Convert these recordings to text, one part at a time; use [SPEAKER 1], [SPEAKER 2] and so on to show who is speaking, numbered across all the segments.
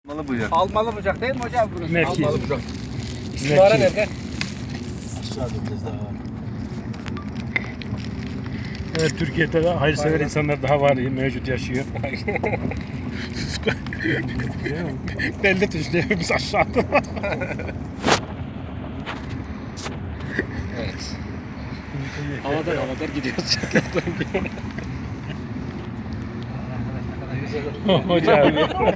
[SPEAKER 1] Almalı bıçak.
[SPEAKER 2] Almalı bıçak değil mi hocam burası?
[SPEAKER 3] Mevki.
[SPEAKER 2] Almalı bıçak.
[SPEAKER 3] İstihara nerede?
[SPEAKER 1] Aşağıda biraz daha var.
[SPEAKER 3] Evet, Türkiye'de de hayırsever insanlar daha var, mevcut yaşıyor. Belde tuşluyor biz aşağıda.
[SPEAKER 4] Evet. Havadan gidiyoruz.
[SPEAKER 3] Hocam.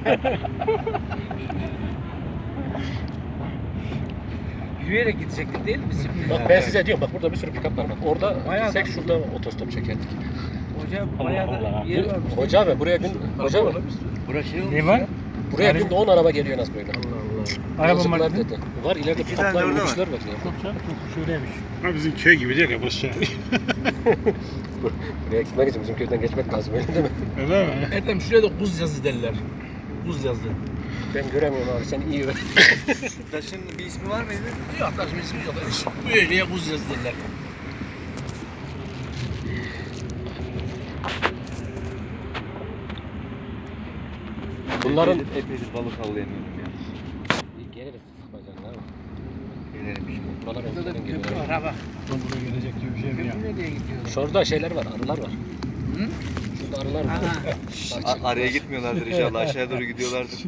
[SPEAKER 2] Yürüyerek gidecektik değil mi biz şimdi?
[SPEAKER 4] Bak ben size diyorum, bak burada bir sürü pick-up var. Bak orada
[SPEAKER 2] Bayağı
[SPEAKER 4] gitsek
[SPEAKER 2] da-
[SPEAKER 4] şurada otostop çekerdik.
[SPEAKER 2] Hocam bayağı da yer varmış.
[SPEAKER 4] Hoca abi buraya gün hoca abi
[SPEAKER 2] Burası
[SPEAKER 3] Ne var?
[SPEAKER 4] buraya günde 10 araba geliyor en az böyle.
[SPEAKER 3] Arabam var.
[SPEAKER 4] Yazıklar dedi. Var ileride
[SPEAKER 1] İki tane
[SPEAKER 4] pick-up'lar,
[SPEAKER 1] orada var.
[SPEAKER 4] minibüsler var ya.
[SPEAKER 3] Çok canım, çok şöyleymiş.
[SPEAKER 5] Ha bizim köy gibi değil ya burası.
[SPEAKER 4] Buraya gitmek için bizim köyden geçmek lazım öyle değil mi?
[SPEAKER 5] Öyle mi?
[SPEAKER 6] Erdem şuraya da buz yazı derler. Buz yazı.
[SPEAKER 4] Ben göremiyorum abi, sen iyi öğren.
[SPEAKER 1] Taşın bir ismi var mıydı?
[SPEAKER 6] Yok taşım ismi yok. Bu yere buz yazı derler.
[SPEAKER 4] Bunların
[SPEAKER 1] epeydir balık avlayamıyorum ya.
[SPEAKER 4] geliriz sıkmacan abi.
[SPEAKER 1] Gelirim şimdi.
[SPEAKER 4] Buralar
[SPEAKER 2] Burada da
[SPEAKER 4] önceden
[SPEAKER 2] bir köprü
[SPEAKER 4] geliyor.
[SPEAKER 2] var ha bak.
[SPEAKER 3] Buraya gelecek gibi bir şey mi ya?
[SPEAKER 2] Köprü nereye gidiyor?
[SPEAKER 4] Şurada şeyler var, arılar var.
[SPEAKER 2] Hı?
[SPEAKER 4] Şurada arılar var.
[SPEAKER 2] Aha.
[SPEAKER 1] Araya gitmiyorlardır inşallah. Aşağıya doğru gidiyorlardır.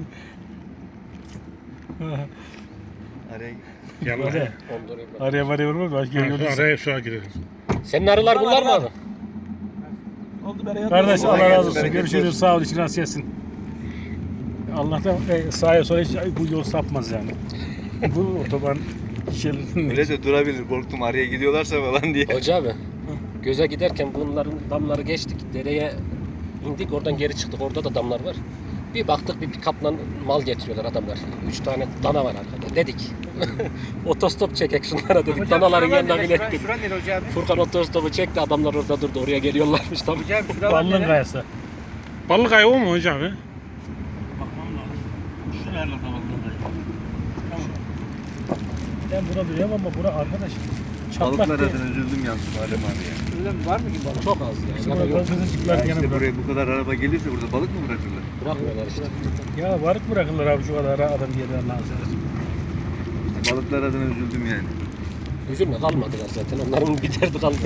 [SPEAKER 1] Araya
[SPEAKER 5] Gel
[SPEAKER 3] Oraya.
[SPEAKER 5] oraya.
[SPEAKER 4] Ondurayım ben.
[SPEAKER 3] Araya varaya vurmaz, başka yol yok.
[SPEAKER 5] Araya şu an girelim.
[SPEAKER 4] Senin arılar bunlar mı abi?
[SPEAKER 6] Oldu bere
[SPEAKER 3] Kardeş
[SPEAKER 1] Kolay
[SPEAKER 3] Allah razı
[SPEAKER 1] gelsin,
[SPEAKER 3] olsun.
[SPEAKER 1] bereketli
[SPEAKER 3] Görüşürüz.
[SPEAKER 1] olsun.
[SPEAKER 3] Sağ ol. İçin rast gelsin. Allah'tan sağa sola hiç bu yol sapmaz yani. Bu otoban şeridinde.
[SPEAKER 1] Öyle de durabilir. Korktum araya gidiyorlarsa falan diye.
[SPEAKER 4] Hoca abi, göze giderken bunların damları geçtik, dereye indik, oradan geri çıktık, orada da damlar var. Bir baktık bir pick-up'la mal getiriyorlar adamlar. 3 tane dana var arkada, dedik. Otostop çekek şunlara dedik,
[SPEAKER 2] Hocam
[SPEAKER 4] danaların
[SPEAKER 2] şuralar
[SPEAKER 4] yanına
[SPEAKER 2] nere?
[SPEAKER 4] bilettik.
[SPEAKER 2] Şura nere hocam?
[SPEAKER 4] Furkan otostopu çekti, adamlar orada durdu, oraya geliyorlarmış tabii.
[SPEAKER 2] Hocam şuralar
[SPEAKER 3] Ballın
[SPEAKER 2] nere?
[SPEAKER 3] kayası.
[SPEAKER 5] Balık ayı o mu hocam? He?
[SPEAKER 3] Bakmam lazım. Şu nerede ballın kayası? Tamam. Ben buna biliyorum ama bura arkadaş. Çatlak
[SPEAKER 1] Balıklar
[SPEAKER 3] değil.
[SPEAKER 1] adına üzüldüm yalnız Muharrem abi ya.
[SPEAKER 2] Öyle mi? Var mı ki balık?
[SPEAKER 4] Çok az
[SPEAKER 3] Bizim
[SPEAKER 4] yani.
[SPEAKER 3] orada
[SPEAKER 4] Yok,
[SPEAKER 3] kızılcıklar
[SPEAKER 1] Ya
[SPEAKER 3] gene
[SPEAKER 1] işte
[SPEAKER 3] bırak.
[SPEAKER 1] buraya bu kadar araba gelirse burada balık mı bırakırlar?
[SPEAKER 4] bırakmıyorlar işte.
[SPEAKER 3] Ya varık bırakırlar abi şu kadar adam yerler lazım.
[SPEAKER 1] İşte balıklar adına üzüldüm yani.
[SPEAKER 4] Üzülme, kalmadılar zaten, onların giderdi kaldı.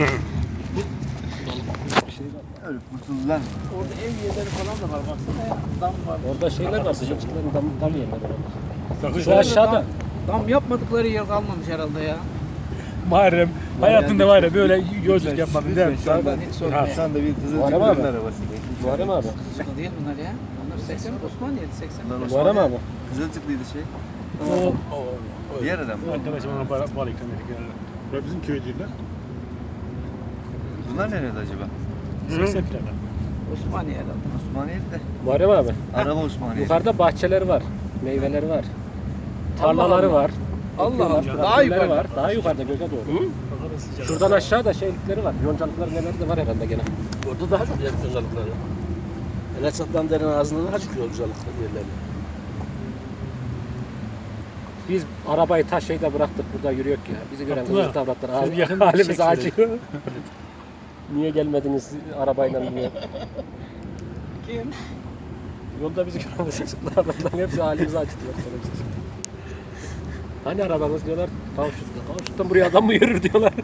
[SPEAKER 1] Öyle kurtuldular mı?
[SPEAKER 2] Orada ev yerleri falan da var baksana ya. Dam var.
[SPEAKER 4] Orada şeyler var, sıcakçıkların dam yerleri var.
[SPEAKER 3] Sakın
[SPEAKER 4] Şu aşağıda.
[SPEAKER 2] Dam yapmadıkları yer kalmamış herhalde ya.
[SPEAKER 3] Muharrem hayatında var ya böyle yolculuk yapmadın değil mi?
[SPEAKER 2] hiç sorma.
[SPEAKER 1] Sen de bir
[SPEAKER 4] Muharrem abi.
[SPEAKER 1] Kızılcıkların arabasında.
[SPEAKER 4] Muharrem abi.
[SPEAKER 2] Sıkı değil bunlar ya. Onlar 80 Osmaniye'de 80.
[SPEAKER 1] Bunlar
[SPEAKER 4] Muharrem abi.
[SPEAKER 1] Kızılcıklıydı şey.
[SPEAKER 3] O
[SPEAKER 1] Diğer adam.
[SPEAKER 3] arkadaşım ona bal ikram ettik yani.
[SPEAKER 5] Burası bizim köy değil lan.
[SPEAKER 1] Bunlar nerede acaba?
[SPEAKER 3] 80 plaka.
[SPEAKER 2] Osmaniye herhalde.
[SPEAKER 1] Osmaniye'de.
[SPEAKER 4] Muharrem abi.
[SPEAKER 1] Araba Osmaniye.
[SPEAKER 4] Yukarıda bahçeleri var, meyveleri var, tarlaları
[SPEAKER 2] Allah.
[SPEAKER 4] var.
[SPEAKER 2] Allah
[SPEAKER 4] ekliyorlar,
[SPEAKER 2] Allah.
[SPEAKER 4] traktörleri
[SPEAKER 2] Daha yukarıda.
[SPEAKER 4] var. Daha yukarıda göze doğru. Şuradan aşağı da şeylikleri var. Yoncalıkları neler de var herhalde gene.
[SPEAKER 6] Orada daha çok yer özellikleri. Enesat'tan derin ağzından daha çıkıyor özellikler yerlerine.
[SPEAKER 4] Biz arabayı taş şeyde bıraktık, burada yürüyor ya. Bizi gören
[SPEAKER 3] Abdullah,
[SPEAKER 4] kızıl tavratlar
[SPEAKER 3] şöyle yakın
[SPEAKER 4] halimiz
[SPEAKER 3] çek şurayı.
[SPEAKER 4] acıyor. Niye gelmediniz arabayla diye.
[SPEAKER 2] Kim?
[SPEAKER 4] Yolda bizi gören kızıl tavratların hepsi halimizi acıtıyor. Hani arabanız diyorlar, Kavşut'ta. Kavşut'tan buraya adam mı yürür diyorlar.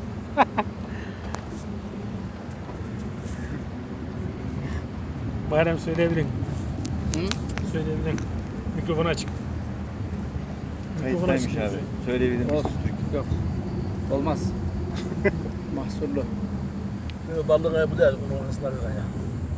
[SPEAKER 3] Muharrem söyleyebilirim.
[SPEAKER 2] Hı?
[SPEAKER 3] Söyleyebilirim. Mikrofonu açık. Mikrofonu açık.
[SPEAKER 1] Kayıttaymış abi. Söyleyebilir misin?
[SPEAKER 2] Olsun. Yok. Olmaz. Mahsurlu.
[SPEAKER 6] Balık ayı bu değil. Onun arasında bir kaya.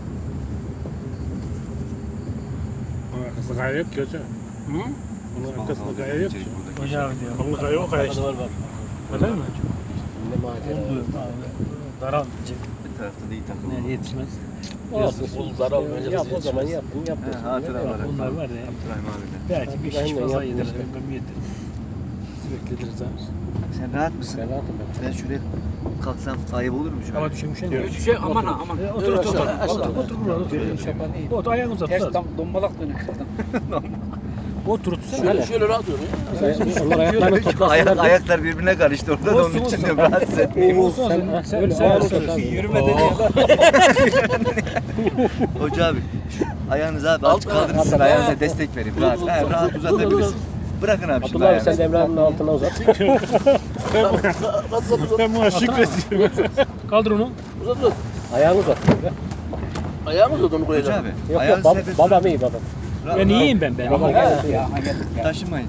[SPEAKER 5] Arkasında kaya yok ki hocam.
[SPEAKER 3] Hı?
[SPEAKER 5] Onun arkasında kaya yok ki.
[SPEAKER 3] Hocam diyor.
[SPEAKER 5] Balık ayı o kaya işte.
[SPEAKER 6] Var var.
[SPEAKER 3] Öyle mi?
[SPEAKER 4] Ne macera.
[SPEAKER 3] Daral.
[SPEAKER 1] Bir tarafta da iyi takım.
[SPEAKER 3] Ne yetişmez.
[SPEAKER 4] Olsun.
[SPEAKER 6] Bulutlar almayınca
[SPEAKER 4] Yap o
[SPEAKER 6] yetişmez.
[SPEAKER 4] zaman yaptın yaptın.
[SPEAKER 1] He, hatıra olarak.
[SPEAKER 3] Bunlar var ya.
[SPEAKER 1] Abdurrahim abiyle.
[SPEAKER 3] Belki bir şiş
[SPEAKER 4] Aynen,
[SPEAKER 3] fazla
[SPEAKER 4] yaptın
[SPEAKER 3] yedir.
[SPEAKER 4] işte.
[SPEAKER 3] Ben yedir. Sürekli yediririz abi.
[SPEAKER 1] Sen rahat mısın?
[SPEAKER 4] Ben rahatım ben.
[SPEAKER 1] Ben şuraya kalksam ayıp olur mu şu an?
[SPEAKER 3] Ama düşürmüşsün ya.
[SPEAKER 2] Şey aman ha aman.
[SPEAKER 3] Otur otur otur.
[SPEAKER 6] Aşağı,
[SPEAKER 3] Otur
[SPEAKER 6] aşağı.
[SPEAKER 3] otur burada otur.
[SPEAKER 2] Benim şapan iyi.
[SPEAKER 3] Otur ayağını uzat.
[SPEAKER 2] Ters
[SPEAKER 3] uzat.
[SPEAKER 2] tam dombalak dönük adam.
[SPEAKER 3] Otur otur.
[SPEAKER 6] Şöyle rahat diyor ya.
[SPEAKER 4] Onlar ayaklarını toplasınlar.
[SPEAKER 1] Ayaklar birbirine karıştı orada da onun için de rahatsız etmeyeyim.
[SPEAKER 3] Olsun
[SPEAKER 4] Sen,
[SPEAKER 3] olsun.
[SPEAKER 4] sen öyle ağır otur abi.
[SPEAKER 2] Yürümeden ya.
[SPEAKER 1] Hoca abi Ayağınızı abi
[SPEAKER 6] Alt-
[SPEAKER 1] aç kaldırın
[SPEAKER 6] alt-
[SPEAKER 1] sizin
[SPEAKER 6] alt-
[SPEAKER 1] ayağınıza
[SPEAKER 6] alt-
[SPEAKER 1] destek verin.
[SPEAKER 6] Dur,
[SPEAKER 1] Rahat,
[SPEAKER 6] dur,
[SPEAKER 1] he,
[SPEAKER 6] dur,
[SPEAKER 1] rahat
[SPEAKER 6] dur,
[SPEAKER 1] uzatabilirsin. Bırakın abi şimdi
[SPEAKER 4] Abdullah abi sen
[SPEAKER 1] ayağınızı.
[SPEAKER 4] de Emrah'ın altına uzat.
[SPEAKER 5] Ben buna şükrediyorum.
[SPEAKER 3] Kaldır onu.
[SPEAKER 6] Uzat.
[SPEAKER 4] Ayağını uzat. Ya.
[SPEAKER 6] Ayağımı uzat onu
[SPEAKER 1] Hoca
[SPEAKER 6] koyacağım.
[SPEAKER 1] abi.
[SPEAKER 4] Yok
[SPEAKER 1] ayağınızı
[SPEAKER 4] yok
[SPEAKER 1] serbest
[SPEAKER 4] babam
[SPEAKER 1] bırakın.
[SPEAKER 4] iyi babam.
[SPEAKER 3] Ben iyiyim ben.
[SPEAKER 4] Baba
[SPEAKER 2] Ya,
[SPEAKER 4] gel.
[SPEAKER 2] ya, ya.
[SPEAKER 1] Taşımayın.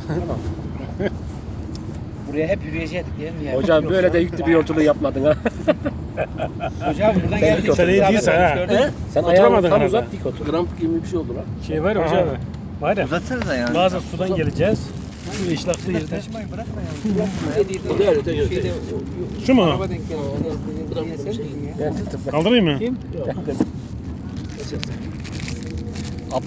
[SPEAKER 2] Buraya hep yürüyecektik değil mi ya?
[SPEAKER 4] Hocam böyle de yüklü bir yolculuğu yapmadın ha.
[SPEAKER 2] Hocam buradan
[SPEAKER 4] Sen
[SPEAKER 2] geldik.
[SPEAKER 4] dik otur.
[SPEAKER 5] Sen iyi değilsen ha.
[SPEAKER 4] Sen
[SPEAKER 5] Oturamadın
[SPEAKER 4] ayağını tam
[SPEAKER 5] herhalde.
[SPEAKER 4] uzat dik otur.
[SPEAKER 6] Gramp gibi bir şey oldu lan.
[SPEAKER 3] Şey var ya hocam. Var ya.
[SPEAKER 1] Uzatsanız ayağınızı.
[SPEAKER 3] Bazen sudan geleceğiz. Şu işlaklı yerde.
[SPEAKER 1] Taşımayın bırakın ayağınızı.
[SPEAKER 6] O değil, öteki, öteki.
[SPEAKER 5] Şu mu?
[SPEAKER 2] Araba denk geldi.
[SPEAKER 4] Ben tutup
[SPEAKER 5] Kaldırayım mı?